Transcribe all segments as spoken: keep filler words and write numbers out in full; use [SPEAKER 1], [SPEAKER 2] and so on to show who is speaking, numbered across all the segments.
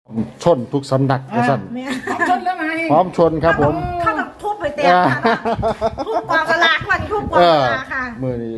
[SPEAKER 1] ชนทุกสำนักกระสัน
[SPEAKER 2] แม่
[SPEAKER 3] พร้อมชนแล้วไง
[SPEAKER 1] พร้อมชนครับผม
[SPEAKER 2] เข้ากับทุบไปเต็มค่ะทุบกองสลากวันทุบกอง
[SPEAKER 1] เอ
[SPEAKER 2] ส
[SPEAKER 1] อ
[SPEAKER 2] ลากค่ะ
[SPEAKER 1] มือนี้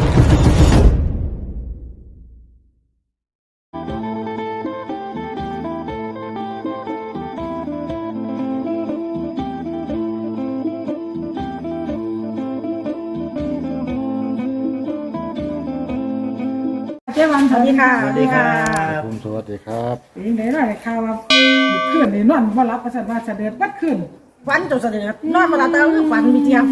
[SPEAKER 3] เจ๊วัน
[SPEAKER 2] สวัสดีค่ะ
[SPEAKER 4] สวัสดีครับ
[SPEAKER 1] ผมสวัสดีครับ
[SPEAKER 3] เป็นยังไงล่ะข่าวว่าขึ้นในนอนบ่รับประสาทว่าเสด็จวัดขึ้น
[SPEAKER 2] ฟันจนเสด็จนอนมาแล้วแต่คือฟันมีเทียม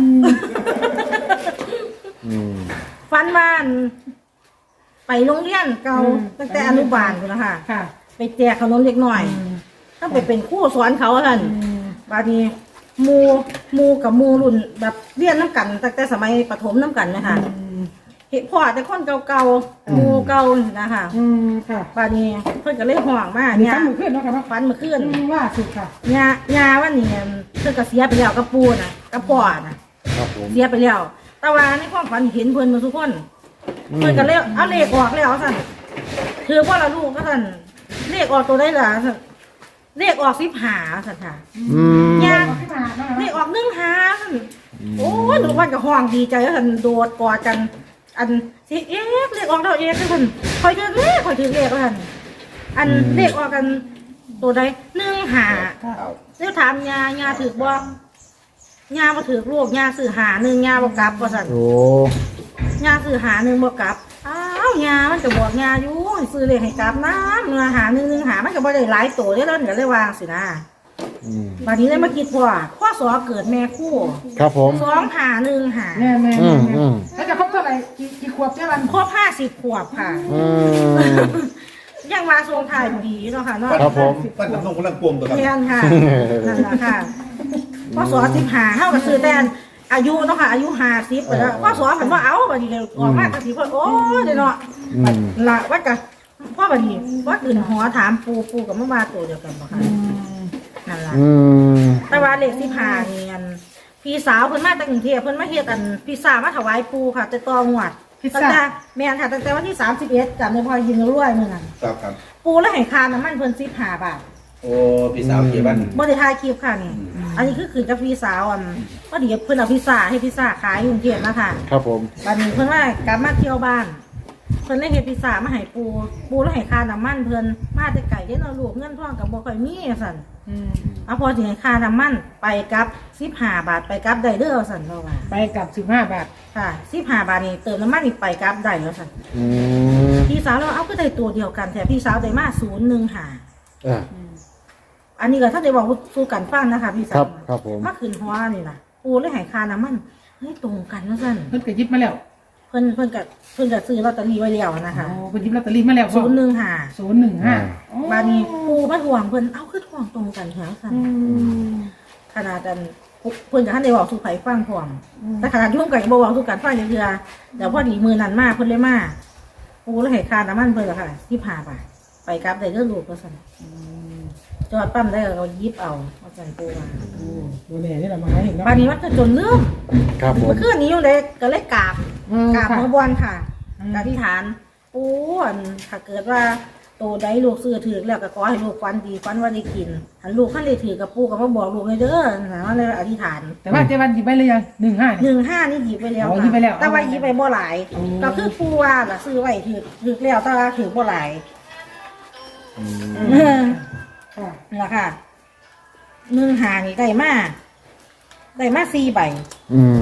[SPEAKER 1] อืม
[SPEAKER 2] ฟันบ้าน ไปโรงเรียนเก่าตั้งแต่อนุบาลคุณนะคะ
[SPEAKER 3] ค่ะ
[SPEAKER 2] ไปแจกขนมเล็กหน่อยถ้าไปเป็นครู่สอนเขาท่านบางทีหมูหมูกับหมูรุ่นแบบเรียนน้ำกันตั้งแต่สมัยประถมน้ำกันนะคะเห็นพ่อแต่คนเก่าๆหมูเก่านะคะ
[SPEAKER 3] อืมค่ะ
[SPEAKER 2] บางทีเพิ่นก็เลยห่วงมาก
[SPEAKER 3] มี
[SPEAKER 2] เนี่ย
[SPEAKER 3] ฟันมือขึ้นเนาะค่ะเนาะ
[SPEAKER 2] ฟันมาขึ้น
[SPEAKER 3] ว่าสุดค่ะ
[SPEAKER 2] ยายาว่านี่เพิ่นก็เสียไปแล้วกับปูน่ะกับพ่อน่ะ
[SPEAKER 1] ครับผม
[SPEAKER 2] เสียไปแล้ว แต่ว่าในความฝันเห็นเพิ่นมาทุกคน เพิ่นก็เลยเอาเลขออกแล้วสั่นคือว่าละลูกก็สั่นเลขออกตัวได้ล่ะสั่นเลขออกสิบหาสั่นค่ะ
[SPEAKER 1] อืม
[SPEAKER 2] ยา
[SPEAKER 3] ขึ้นมาเนาะ
[SPEAKER 2] เลขออกหนึ่งหาสั่นโอ้ยหนูวันกับห้องดีใจแล้วสั่นโดดกอดกัน อันสิเอ๊ะเลขออกแล้วเอ๊ะสั่นคอยถือเลขคอยถือเลขสั่นอันเลขออกกันตัวใดหนึ่งหา เดี๋ยวถามยายาถือบ่ยาบ่ถือลูกยาซื้อหาหนึ่งยาบ่กลับว่าซั่น
[SPEAKER 1] โอ้
[SPEAKER 2] ยาซื้อหาหนึ่งบ่กลับอ้าวยามันก็บอกยาอยู่ให้ซื้อเลขให้กลับน้ำเนื้อหาหนึ่งหนึ่งหามันก็บ่ได้หลายโตเด้อแล้วก็เลยวางสินะ
[SPEAKER 1] อืม
[SPEAKER 2] บัดนี้เลยมาคิดว่าพ่อสอเกิดแม่คู่
[SPEAKER 1] ครับผม
[SPEAKER 2] สองหาหนึ่งหา
[SPEAKER 3] แม่แม่
[SPEAKER 1] อื
[SPEAKER 3] แม่
[SPEAKER 1] มอืม
[SPEAKER 3] แล้วจะครบเท่าไหร่กี่กี่ขวบเจ๊วัน
[SPEAKER 2] ครบห้าสิบขวบค่ะ
[SPEAKER 1] อืม
[SPEAKER 2] ยังมาทรงถ่ายดีเนาะค่ะเนาะ
[SPEAKER 1] ครับผม
[SPEAKER 4] ปั้นกับน้องคนละกวงตัวครับ
[SPEAKER 2] เรียนค่ะนั่นแหละค่ะพ่อสอสิบหาเท่ากับซื้อแต่อายุเนาะค่ะอายุห้าสิบไปแล้วพ่อสอเห็นว่าเอาบัดนี้ออกมาตั้งสิบโอ้ยเนาะ
[SPEAKER 1] อืม
[SPEAKER 2] ละว่าจะพ่อบัดนี้ว่าตื่นหัวถามปูปูกับแม่มาตัวเดียวกันบ่ค่ะนั่นล่ะ
[SPEAKER 1] อืม
[SPEAKER 2] แต่ว่าเลขสิบห้านี่อันพี่สาวเพิ่นมาจากกรุงเทพเพิ่นมาเฮ็ดอันพิซซ่ามาถวายปูค่ะแต่ตองวด
[SPEAKER 3] พิซ
[SPEAKER 2] ตั้ง
[SPEAKER 3] ซ่า
[SPEAKER 2] แต่แม่นค่ะตั้งแต่วันที่สามสิบเอ็ดจำได้พอยินรวยมื้อนั้น
[SPEAKER 4] ครับครับ
[SPEAKER 2] ปูแล้วให้ค่าน้ำมันเพิ่นสิบห้าบาท
[SPEAKER 4] โอ้พี่สาวเกี่บ้าน
[SPEAKER 2] บ่ได้ถ่ายคลิปค่ะนี่อันนี้คือคืนกับพี่สาวอันพอดีเพิ่นเอาพิซซ่าให้พิซซ่าขายอยู่กรุงเทพนะคะ
[SPEAKER 1] ครับผม
[SPEAKER 2] บัดนี้เพิ่นว่ากลับมาเที่ยวบ้านเพิ่นเลยเฮ็ดพิซซ่ามาให้ปูปูแล้วให้ค่าน้ำมันเพิ่นมาแต่ไกลเด้เนาะลูกเงินทองก็บ่ค่อยมีสั่น
[SPEAKER 3] อืม
[SPEAKER 2] เอาพอสิให้ค่าน้ำมันไปกลับสิบห้าบาทไปกลับได้เด้อสั่นเนาะว่า
[SPEAKER 3] ไปกับสิบห้าบาท
[SPEAKER 2] ค่ะสิบห้าบาทนี่เติมน้ำมันนี่ไปกลับได้แล้วสั่น
[SPEAKER 1] อืม
[SPEAKER 2] พี่สาวเราเอาก็ได้ตัวเดียวกันแต่พี่สาวได้มาศูนย์หนึ่งห้า
[SPEAKER 1] อ่า
[SPEAKER 2] อันนี้ก็ถ้าได้บอกสู้กันฟังนะคะพี่สา
[SPEAKER 1] ครั
[SPEAKER 2] ว
[SPEAKER 1] บครับผม
[SPEAKER 2] มาขึ้นหัวนี่ล่ะปูเลยให้ค่าน้ำมันเฮ้ยตรงกันว่าสั่น
[SPEAKER 3] เพิ่นก็ยิบมาแล้ว
[SPEAKER 2] เพิ่นเพิ่นก็เพิ่นก็ซื้อลอตเตอรี่ไว้แล้วนะคะ
[SPEAKER 3] โอ้เพิ่นยิบลอตเตอรี่มาแล้ว
[SPEAKER 2] ศูนย์หนึ่งห้า
[SPEAKER 3] ศูนย์หนึ่งห้า
[SPEAKER 2] บาดนี้ปูมาทวงเพิ่นเอ้าคือทวงตรงกันแถวสั่น
[SPEAKER 3] อืม
[SPEAKER 2] ขนาดนั้นเพิ่นก็ท่านได้บอกสู่ไผฟังพร้อมแต่ขนาดยุ่งกันบ่บอกสู่กันฟังเทื่อเดี๋ยวพอดีมือนั้นมาเพิ่นเลยมาปูแล้วให้ค่าน้ำมันเพิ่นล่ะค่ะสิบห้าบาทไปกลับได้เด้อลูกว่าซั่นจอดปั๊มได้ก็หยิบเอาว่าซั่นปูว่า
[SPEAKER 3] ดูแลนี่แหละมาให้เห็นเนาะ
[SPEAKER 2] บาดนี้มันก็จนลืม
[SPEAKER 1] ครับผม
[SPEAKER 2] เมื่อคืนนี้อยู่เลยก็เลยกราบ
[SPEAKER 3] อืม
[SPEAKER 2] กราบ
[SPEAKER 3] ค่ะ
[SPEAKER 2] หมอบอลค่ะ
[SPEAKER 3] อืม
[SPEAKER 2] กอธิษฐานปูอันถ้าเกิดว่าโตได้ลูกซื้อถือแล้วก็ขอให้ลูกฟันดีฟันว่าได้กินหันลูกขั้นเลยถือกับปูก็มาบอกลูกเลยเด้อนะว่าเลยอธิษฐาน
[SPEAKER 3] แต่ว่าเจ๊วันยิบไปเลยยังหนึ่งห้า
[SPEAKER 2] หนึ่งห้านี่หยิบไปแล้ว
[SPEAKER 3] อ๋อ
[SPEAKER 2] ค่ะ
[SPEAKER 3] หยิบไปแล้ว
[SPEAKER 2] แต่ว่าหยิบไปบ่หลาย
[SPEAKER 3] อ๋อ
[SPEAKER 2] ก็คือปูว่าล่ะซื้อไว้ถือถือแล้วแต่ว่าถือบ่หลาย
[SPEAKER 1] อืม
[SPEAKER 2] เออ
[SPEAKER 3] ค่ะ
[SPEAKER 2] นี่แหละค่ะหนึ่งหานี่ได้มาได้มาสี่ใบ
[SPEAKER 1] อืม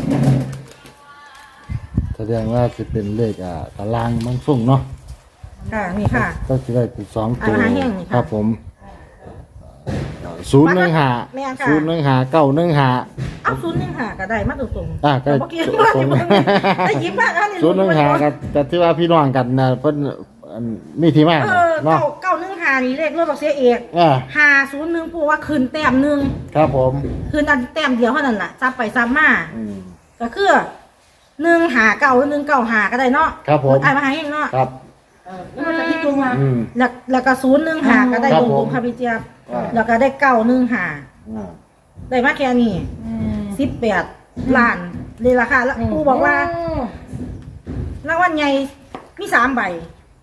[SPEAKER 1] แสดงว่าจะเป็นเลขอ่าตารางมังสุ่งเนาะ
[SPEAKER 2] ค่ะนี่ค่ะ
[SPEAKER 1] ก็จะได้เป็นสองตัว
[SPEAKER 2] อ่าหาแห้งนี่ค่ะ
[SPEAKER 1] ครับผมศูนย์หนึ่งหา
[SPEAKER 2] แม่นค่ะ
[SPEAKER 1] ศูนย์หนึ่งหาเก้าหนึ่งหา
[SPEAKER 2] เอาศูนย์หนึ่งหาก็ได้มาตรงๆ
[SPEAKER 1] อ่าก็
[SPEAKER 2] เมื่อกี้ว่าที่มึงได้หยิบมาอันนี้
[SPEAKER 1] ศูนย์หนึ่งหากับแต่ที่ว่าพี่น้องกันนะเพิ่นอันมีที่มา
[SPEAKER 2] เออ
[SPEAKER 1] เนาะ
[SPEAKER 2] เก้าเก้าหนึ่งหานี่เลขรถบักเสียเอก
[SPEAKER 1] อ่า
[SPEAKER 2] หาศูนย์หนึ่งปูว่าคืนแต้มหนึ่ง
[SPEAKER 1] ครับผม
[SPEAKER 2] คืนอันแต้มเดียวเท่านั้นแหละซับไปซับมา
[SPEAKER 1] อืม
[SPEAKER 2] ก็คือหนึ่งหาเก้าหรือหนึ่งเก้าหาก็ได้เนาะ
[SPEAKER 1] ครับผม
[SPEAKER 2] อ่านมาให้เนาะ
[SPEAKER 1] ครับ
[SPEAKER 3] เออแล้วมันจะพิจารณา
[SPEAKER 1] อืม
[SPEAKER 2] แล้วแล้วก็ศูนย์หนึ่งหาก็ได้
[SPEAKER 1] ครับ
[SPEAKER 2] ตรง
[SPEAKER 1] ผม
[SPEAKER 2] ตรงค่ะพี่เจี๊ยบ
[SPEAKER 1] อ่า
[SPEAKER 2] แล้วก็ได้เก้าหนึ่งหา
[SPEAKER 1] อ่า
[SPEAKER 2] ได้มาแค่นี้
[SPEAKER 3] อืม
[SPEAKER 2] สิบแปดล้านเลยราคาแล้วปูบอกว่า รางวัลใหญ่มีสามใบ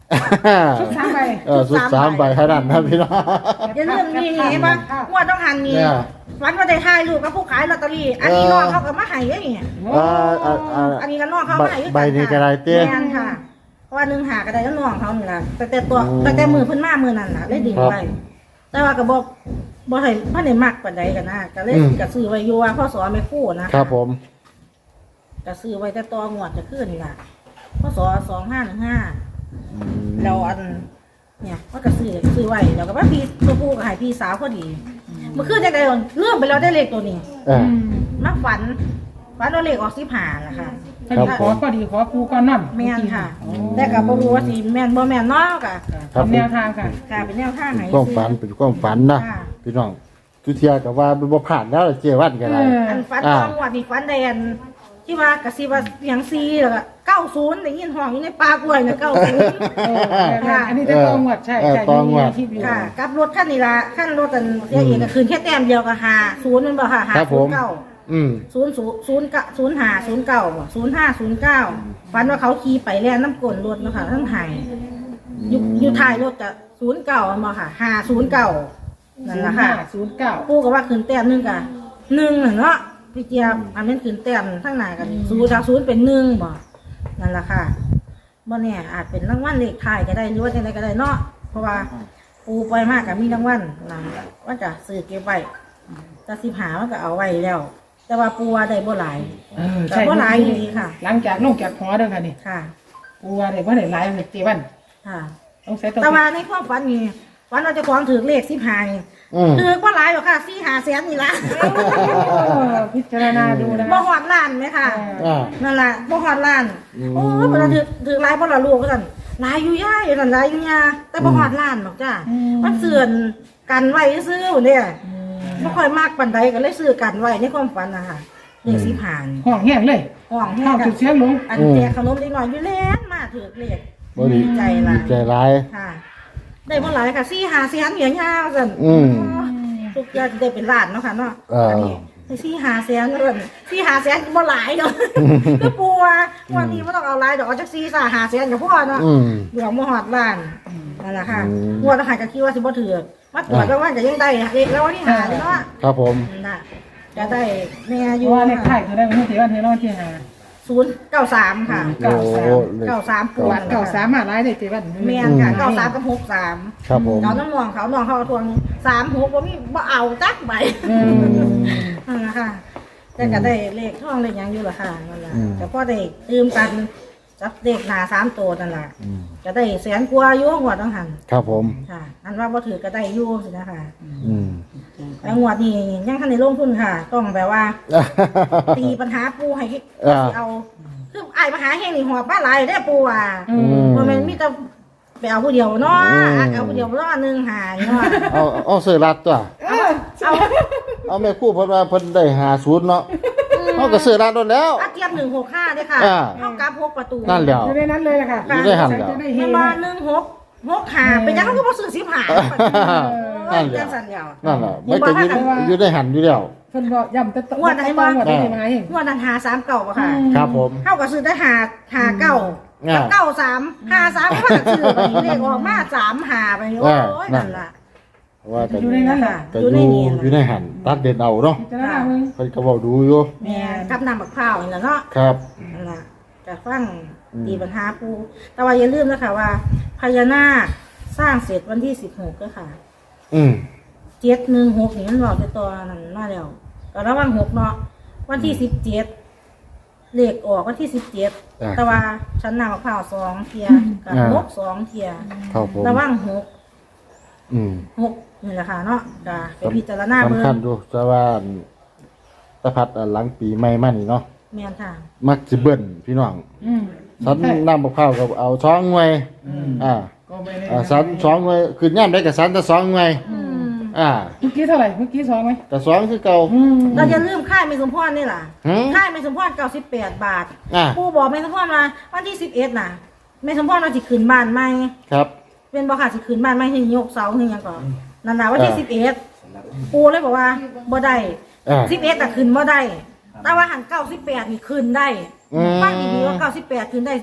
[SPEAKER 3] ชุดสามใบ
[SPEAKER 1] เออสุดสามใบขนาดนั้นพี่น้อง
[SPEAKER 2] อย่าลืมนี่เห็นปะงวดต้องหันนี่
[SPEAKER 1] เนี่ย
[SPEAKER 2] วันว่าได้ถ่ายรูปกับผู้ขายลอตเตอรี่อันนี้
[SPEAKER 1] เออ
[SPEAKER 2] น้องเขาก็มาให้อย่างเงี้ย
[SPEAKER 1] อ่าอ่าอ่า
[SPEAKER 2] อันนี้ก็น้องเขามาให้
[SPEAKER 1] ใบนี้ก็ได้เต้
[SPEAKER 2] แม่นค่ะเพราะว่าหนึ่งหาก็ได้แล้วน้องเขานี่ล่ะแต่แต่ตัวแต่แต่มือเพิ่นมามือนั่นน่ะเลยดึงไว้แต่ว่าก็บ่บ่ให้เพิ่นได้มักปานใดกันนะก็เลยก็ซื้อไว้อยู่ว่าพ่อสอนไม่คู่นะครับ
[SPEAKER 1] ผม
[SPEAKER 2] ก็ซื้อไว้แต่ตัวงวดจะขึ้นนี่ล่ะพ่อสอสองห้าหนึ่งห้า
[SPEAKER 1] อืม
[SPEAKER 2] เราอันเนี่ยว่าก็ซื้อซื้อไว้แล้วก็ว่าพี่ตัวผู้ก็ให้พี่สาวพอดีเมื่อคืนจังได๋เลื่อมไปแล้วได้เลขตัวนี้
[SPEAKER 1] เออ
[SPEAKER 2] มาฝันฝันว่าเลขออกสิบห้าล่ะค่ะ
[SPEAKER 3] พอดีขอพอดีขอปูก่อนนั่น
[SPEAKER 2] แม่นค่ะ แต่ก็บ่รู้ว่าสิแม่นบ่แม่นเนาะก็
[SPEAKER 1] ครับ
[SPEAKER 3] ทำแนวทางค่ะ
[SPEAKER 2] ค่ะเป็นแนวทางไหน
[SPEAKER 1] ความฝันเป็นความฝันนะ
[SPEAKER 2] ค่ะ
[SPEAKER 1] พี่น้องทุเทียกับว่าเป็นบ่ผ่านแล้วเจวันกันไร
[SPEAKER 2] อันฝัน
[SPEAKER 1] อ่า
[SPEAKER 2] ตอนงวดนี่ฝันแดนที่ว่ากระซิบว่าเสียงซีแล้วก็เก้าสิบได้ยินห้องอยู่ในปากล้วยน่ะเก้าสิบ
[SPEAKER 3] เอออันนี้จะตองหวดใช่ใช่มีคลิปอยู่
[SPEAKER 2] ค่ะกับรถคันนี้ล่ะคันรถอันเสียเองก็คืนแค่แต้มเดียวก็หาศูนย์มันบ่ค่ะหา
[SPEAKER 1] ครับผ
[SPEAKER 2] ศูน
[SPEAKER 1] ม
[SPEAKER 2] ย์เก้า
[SPEAKER 1] อืม
[SPEAKER 2] ศูนย์ศูนย์ศูนย์เก้าศูนย์ห้าศูนย์เก้าบ่ศูนย์ห้าศูนย์เก้าฝันว่าเขาขี่ไปแล่นน้ำกลนรถเนาะค่ะทั้งไห้อยู่อยู่ท้ายรถก็ศูนย์เก้ามันบ่ค่ะห้าศูนย์เก้านั่นล่ะค่ะ
[SPEAKER 3] ศูนย์เก้า
[SPEAKER 2] ปู่ก็ว่าขึ้นแต้มหนึงกะหนึ่งน่ะเนาะพี่เจี๊ยบอันนั้นขึ้นแต้มทั้งหน้ากันศูนย์จากศูนย์เป็นหนึ่งบ่นั่นล่ะค่ะบ่แน่อาจเป็นรางวัลเลขท้ายก็ได้หรือว่าจังไดก็ได้เนาะเพราะว่าปู่ปล่อยมากก็มีรางวัลนะว่าจะซื้อเก็บไว้แต่สิบหามันก็เอาไว้แล้ว แต่ว่าปู่ว่าได้บ่หลาย
[SPEAKER 3] เออ
[SPEAKER 2] แต่
[SPEAKER 3] ใช่
[SPEAKER 2] บ่หลายดีค่ะ
[SPEAKER 3] หลังจากลงจากหอเด้อค่ะนี่
[SPEAKER 2] ค่ะ
[SPEAKER 3] ปูว่าได้บ่ได้หลายเจ็ดวัน
[SPEAKER 2] ค่ะ
[SPEAKER 3] ต้องใช้ตัว
[SPEAKER 2] แต่ว่าในความฝันนี่ฝันเราจะของถือเลขสิบหานี่
[SPEAKER 1] อืม
[SPEAKER 2] ถือบ่หลายหรอกค่ะสี่หาแสนนี่ล่ะ
[SPEAKER 3] พิจารณาดูนะ
[SPEAKER 2] บ่ฮอดล้านไหมค่ะ
[SPEAKER 1] อ่า
[SPEAKER 2] นั่นแหละบ่ฮอดล้าน
[SPEAKER 1] อืม
[SPEAKER 2] โอ้ยเพิ่นถือถือหลายบ่ละลูกก็ซั่นหลายอยู่ย่ายนั่นหลายอยู่ยาแต่บ่ฮอดล้านหรอกจ้ามันเสื่อนกันไว้ซื้อเนี่ยบ่ค่อยมากปานใดก็เลยซื้อกันไว้ในความฝันน่ะค่ะเลขสิผ่าน
[SPEAKER 3] ห้องแห้งเลย
[SPEAKER 2] ห้องแห้
[SPEAKER 3] ห้อง
[SPEAKER 2] งกั
[SPEAKER 3] จุ
[SPEAKER 2] น
[SPEAKER 3] ดเสียงลง
[SPEAKER 2] อันแจกขนมเล็กน้อยอยู่แล้วมาถือเลข
[SPEAKER 1] บ่ดี
[SPEAKER 2] ใจหลาย
[SPEAKER 1] ใจร้าย
[SPEAKER 2] ค่ะ ได้บ่หลายค่ะสี่ห้าแสนเหรียญยาวซั่น
[SPEAKER 1] อืม
[SPEAKER 2] ทุกอย่างได้เป็นล้านเนาะค่ะเนาะ
[SPEAKER 1] เอออั
[SPEAKER 2] นนี้ได้สี่ห้าแสนเอิ้นสี่ห้าแสนบ่หลายเนาะ ก็ปัววันนี้ไม่ต้องเอาหลายดอกเอาจักสี่สาหาแสนกับพ่อเนาะ
[SPEAKER 1] อืม
[SPEAKER 2] เหลืองมหอดล้านนั่นแหละค่ะ
[SPEAKER 1] อืม
[SPEAKER 2] งวดทหารก็คิดว่าสิบ่ถือมาตรวจแล้วว่าจะยังได้เอกแล้ววันที่หาเนาะ
[SPEAKER 1] ครับผม
[SPEAKER 2] น่ะจะได้แม่อ
[SPEAKER 3] เพ
[SPEAKER 2] ยู่
[SPEAKER 3] ราะว่าเลขไทยคือได้ไม่เจ็ดวันเทนอนที่หา
[SPEAKER 2] ศูนย์เก้าสามค่ะ
[SPEAKER 1] โอ้เลข
[SPEAKER 2] เก้าสามปวด
[SPEAKER 3] เก่าสามารถไล่ได้เจ็ดวัน
[SPEAKER 2] แม่นค่ะเก้าสามกับหกสาม
[SPEAKER 1] ครับผม
[SPEAKER 2] เขาน้ำมองเขาน้องเขาทวงสามหกว่ามีบ่เอาจักใบ
[SPEAKER 3] อืม
[SPEAKER 2] นั่นแหละค่ะแต่ก็ได้เลขท่องเลขหยังอยู่ละค่ะนั่นแหละ
[SPEAKER 1] อืม
[SPEAKER 2] แต่พอได้ตืมกันจับเลขหนาสามตัวนั่นแหละ
[SPEAKER 1] อืม
[SPEAKER 2] จะได้แสนกว่าอยู่งวดต้องหัน
[SPEAKER 1] ครับผม
[SPEAKER 2] ค่ะ อันว่าบ่ถือก็ได้อยู่สินะคะ
[SPEAKER 1] อืม
[SPEAKER 2] แล้วงวดนี้ยังทันได้ลงทุนค่ะ ต้องแบบว่า ตีปัญหาปูให้
[SPEAKER 1] อ่า
[SPEAKER 2] สิเอาคือไอ้ายมาหาแห่งนี่หอบบ้านหลายได้อปูอ่ะ
[SPEAKER 3] อืม
[SPEAKER 2] บ่แม่นมีแต่ไปเอาผู้เดียวเนาะ
[SPEAKER 1] อืม
[SPEAKER 2] อ่ะเอาผู้เดียวเนาะหนึงหาเนาะ
[SPEAKER 1] เอาเอาเสื้อรัดตัว
[SPEAKER 3] เออ
[SPEAKER 2] เอา
[SPEAKER 1] เอาแม่ครู่เพิ่นว่าเพิ่นได้หาศูนย์เนาะเอาก็เสื้อรัดโดนแล้ว
[SPEAKER 2] อาเทียบหนึ่งหกห้าด้วยค่ะ
[SPEAKER 1] อ่า
[SPEAKER 2] เท่ากับหกประตู
[SPEAKER 1] นั่นแหละ
[SPEAKER 3] อยู่ในนั้นเลยแหละค่ะ
[SPEAKER 1] อยู่ในหันเหรอ
[SPEAKER 3] จะได้เฮ
[SPEAKER 2] แม่บ้านหนึ่งหกหกหาเป็นยังเขาก็บ่ซื้อสิบหา
[SPEAKER 1] นั่นแหละ
[SPEAKER 2] จังสันเดียว
[SPEAKER 1] นั่นแหละไม่ก็อยู่อยู่ได้หันอยู่แล้ว
[SPEAKER 3] เพิ่นบอกย้ำแต่
[SPEAKER 2] งวดไหนวะ
[SPEAKER 3] งวดได้มาเอง
[SPEAKER 2] งวดนั้นหาสามเก่าปะค่ะ
[SPEAKER 1] ครับผม
[SPEAKER 2] เท่ากับซื้อได้หาหาเก้า
[SPEAKER 1] อ่า
[SPEAKER 2] เก้าสามหาสามก็ว่าซื้อไปเลขออกมาสามหาไปโอ้ย
[SPEAKER 1] นั่
[SPEAKER 2] นั่
[SPEAKER 1] น
[SPEAKER 2] นล่ะ
[SPEAKER 1] ว่าก็
[SPEAKER 3] อยู่ในนั้นแหละ
[SPEAKER 1] ก็อยู่อยู่ในหันตัดเด่นเอาเนาะ
[SPEAKER 3] พิจารณามึง
[SPEAKER 1] เพิ่นก็เว้าดูอยู่
[SPEAKER 2] แม่กับน้ำบักพร้าวนี่แหละเนาะ
[SPEAKER 1] ครับ
[SPEAKER 2] นั่นล่ะจะฟัง
[SPEAKER 1] อืม
[SPEAKER 2] ตีปัญหาปูแต่ว่าอย่าลืมนะคะว่าพญานาคสร้างเสร็จวันที่สิบหกก็ค่ะ
[SPEAKER 1] อืม
[SPEAKER 2] เจ็ดหนึ่งหกนี่มันบอกในตัวนั้นมาแล้วก็ระวังหกเนาะวันที่สิบเจ็ดเลขออกวันที่สิบเจ็ด
[SPEAKER 1] อ่า
[SPEAKER 2] แต่ว่าฉันนำมะพร้าวสองเทียกับ
[SPEAKER 1] อ่า
[SPEAKER 2] หกสองเทีย
[SPEAKER 1] ครับผม
[SPEAKER 2] ระวังหก
[SPEAKER 1] อืม
[SPEAKER 2] หกนี่แหละค่ะเนาะก็ไปพิจารณาเบิ่
[SPEAKER 1] สำคัญ
[SPEAKER 2] ง
[SPEAKER 1] ดูแต่ว่าตะพัดอันหลังปีใหม่มานี่เนาะ
[SPEAKER 2] แม่นค่ะ
[SPEAKER 1] มักสิเบิ่นพี่น้อง
[SPEAKER 3] อืม
[SPEAKER 1] สันน้ำมะพร้าวกับเอาสองหน่วยอ่า
[SPEAKER 3] ก็ไม่ได้
[SPEAKER 1] อ่าสันสองหน่วยคือย่ามได้กับสันแต่สองหน่วย
[SPEAKER 2] อืม
[SPEAKER 1] อ่า
[SPEAKER 3] เมื่อกี้เท่าไหร่เมื่อกี้สองไหม
[SPEAKER 1] แต่สองคือเก่า
[SPEAKER 3] อืม
[SPEAKER 2] เราจะลืมค่ายไม่สมพรนี่ล่ะ
[SPEAKER 1] หืม
[SPEAKER 2] ค่ายไม่สมพรเก้าสิบแปดบาท
[SPEAKER 1] อ่า
[SPEAKER 2] ปูบอกไม่สมพรมาวันที่สิบเอ็ดน่ะไม่สมพรเราสิขึ้นบ้านใหม่
[SPEAKER 1] ครับ
[SPEAKER 2] เป็นบ่ค่ะสิขึ้นบ้านใหม่ให้ยกเสาให้หยังก่อนนั่นน่ะวันที่สิบเอ็ดปูเลยบอกว่าบ่ได้
[SPEAKER 1] อ่า
[SPEAKER 2] สิบเอ็ดแต่ขึ้นบ่ได้ แต่ว่าหันเก้าสิบแปดนี่ขึ้นได้
[SPEAKER 1] อืม
[SPEAKER 2] ฟังดีๆว่าเก้าสิบแปดขึ้นได้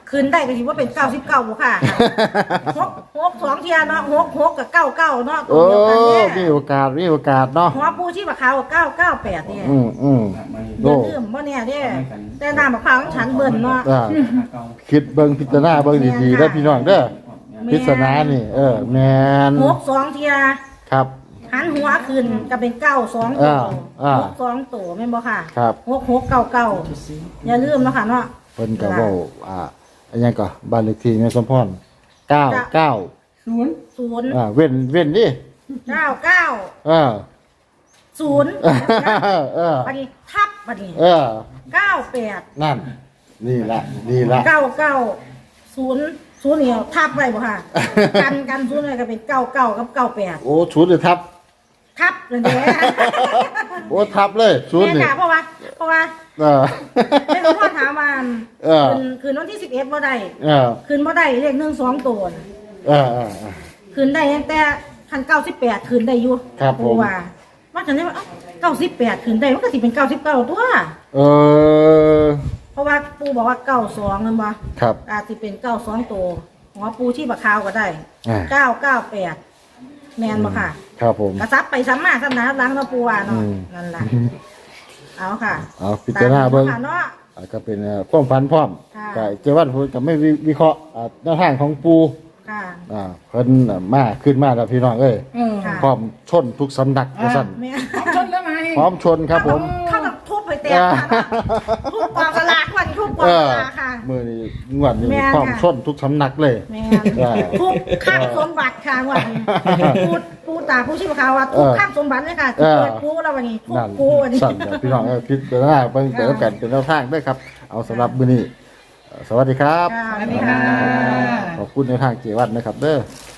[SPEAKER 2] คืนได้ก็ถือว่าเป็นเก้าสิบเก้าบ่ค่ะหกหกสองเทียเนาะหกหกกับเก้าเก้าเนาะตั
[SPEAKER 1] โอ้
[SPEAKER 2] วเดียวกันเนี่ย
[SPEAKER 1] มีโอกาสมีโอกาสเนาะ
[SPEAKER 2] หัวปูชีพขาวเก้าเก้าแปดเนี่ย
[SPEAKER 1] อืมอืม
[SPEAKER 2] เดื
[SPEAKER 1] โอ้
[SPEAKER 2] อดเรื่มบ่เนี่ยเด้แต่น้ำมะพร้าวของฉันเบิ่นเนาะ
[SPEAKER 1] อ่าคิดเบิ่งพิจารณาเบิ่งดีๆเด้อพี่น้องเด้อพิจารณานี่ เออแม่น
[SPEAKER 2] หกสองเทีย
[SPEAKER 1] ครับ
[SPEAKER 2] หันหัวขึ้นก็เป็นเก้าสองตั
[SPEAKER 1] อ่าว อ่า
[SPEAKER 2] หกสองตัวแม่นบ่ค่ะ
[SPEAKER 1] ครับ
[SPEAKER 2] หกหกเก้าเก้าอย่าลืมเนาะค่ะเนาะ
[SPEAKER 1] เพิ่นก็เว้าอ่าอันยังก็บ้านเลขที่แม่สมพรเก้าเก้า
[SPEAKER 3] ศูนย์
[SPEAKER 2] ศูนย์
[SPEAKER 1] อ่าเว้นเว้นดิ
[SPEAKER 2] เก้าเก้า
[SPEAKER 1] เออ
[SPEAKER 2] ศูนย์
[SPEAKER 1] เออ
[SPEAKER 2] บัดนี้ทับบัดนี้
[SPEAKER 1] เออ
[SPEAKER 2] เก้าแปด
[SPEAKER 1] นั่น นี่ละนี่ละ
[SPEAKER 2] เก้าเก้าศูนย์ศูนย์เนี่ยทับไว้บ่ค่ะ กันกันศูนย์เลยก็เป็นเก้าเก้ากับเก้าแปด
[SPEAKER 1] โอ้ชุดเลยทับ
[SPEAKER 2] ทับเลยเด้
[SPEAKER 1] โอ้ทับเลยชุด
[SPEAKER 2] แม่
[SPEAKER 1] นี่
[SPEAKER 2] ค่ะเพราะว่าเพราะว่า
[SPEAKER 1] เออ
[SPEAKER 2] แม่หลวงพ่อถามว่า
[SPEAKER 1] เออ
[SPEAKER 2] คืนคืนวันที่สิบเอ็ดบ่ได้
[SPEAKER 1] เออ
[SPEAKER 2] คืนบ่ได้เลขหนึ่งสองตัวน่ะ
[SPEAKER 1] เออเออเออ
[SPEAKER 2] คืนได้ตั้งแต่พันเก้าสิบแปดคืนได้อยู่
[SPEAKER 1] ครับผม
[SPEAKER 2] ปู่ว่าว่าฉันได้ว่าเก้าสิบแปดคืนได้มันก็สิเป็นเก้าสิบเก้าตัว
[SPEAKER 1] เออ
[SPEAKER 2] เพราะว่าปู่บอกว่าเก้าสองนั่นบ่
[SPEAKER 1] ครับ
[SPEAKER 2] อาจจะเป็นเก้าสองตัวหัวปูที่บักขาวก็ได้
[SPEAKER 1] อ่า
[SPEAKER 2] เก้าเก้าแปดแมนบ่ค่ะ
[SPEAKER 1] ครับผม
[SPEAKER 2] กระซับไปซ้ำมาซ้ำหนาล้างเราะปูว่าเนาะ
[SPEAKER 1] อืม
[SPEAKER 2] นั่นล่ะเอาค่ะ
[SPEAKER 1] เอาพิจารณาเบิ่ง
[SPEAKER 2] ตมนั้นเนาะ
[SPEAKER 1] อ่าก็เป็นเอ่อความฝันพร้อม
[SPEAKER 2] ค่ะ
[SPEAKER 1] ก็เจวันพูดก็ไม่วิวิเคราะห์อ่าแนวทางของปู
[SPEAKER 2] ค่ะ
[SPEAKER 1] อ่าเพิ่นอ่ะมาขึ้นมาแล้วพี่น้องเอ้ย
[SPEAKER 3] เออ
[SPEAKER 2] ค่ะ
[SPEAKER 1] พร้อมชนทุกสำนักว่าซั่น
[SPEAKER 2] แม่
[SPEAKER 3] ชนแล้วไหม
[SPEAKER 1] พร้อมชนครับผม
[SPEAKER 2] เข้ากับทุบไปแตกค่ะทุบกองสลากวันทุบกอง
[SPEAKER 1] เอ
[SPEAKER 2] ส
[SPEAKER 1] อ
[SPEAKER 2] ลากค่ะ
[SPEAKER 1] มือนี้งวดนี้
[SPEAKER 2] แม่น
[SPEAKER 1] พร้อม
[SPEAKER 2] ค่ะ
[SPEAKER 1] ชนทุกสำนักเลย
[SPEAKER 2] แม่
[SPEAKER 1] เออ
[SPEAKER 2] ทุบข้างสมบัติค่ะวันนี้ปูปูตาผู้ชีพขาวว่าทุบ
[SPEAKER 1] เออ
[SPEAKER 2] ข้างสมบัติเลยค่ะ
[SPEAKER 1] เออ
[SPEAKER 2] เปิดปูแล้ววันนี้ทุบ
[SPEAKER 1] นั่น
[SPEAKER 2] ปูวันนี้
[SPEAKER 1] สั่นเดี๋ยวพี่น้องเอ้ยพิจารณาเบิ่งแต่ละกันเป็นแนวทางด้วยครับ เอาสำหรับมื้อนี้เอ่อสวัสดีครับ
[SPEAKER 2] ค่ะ
[SPEAKER 3] สวัสดีค่ะ
[SPEAKER 1] ขอบคุณในวทางเจวันนะครับเด้อ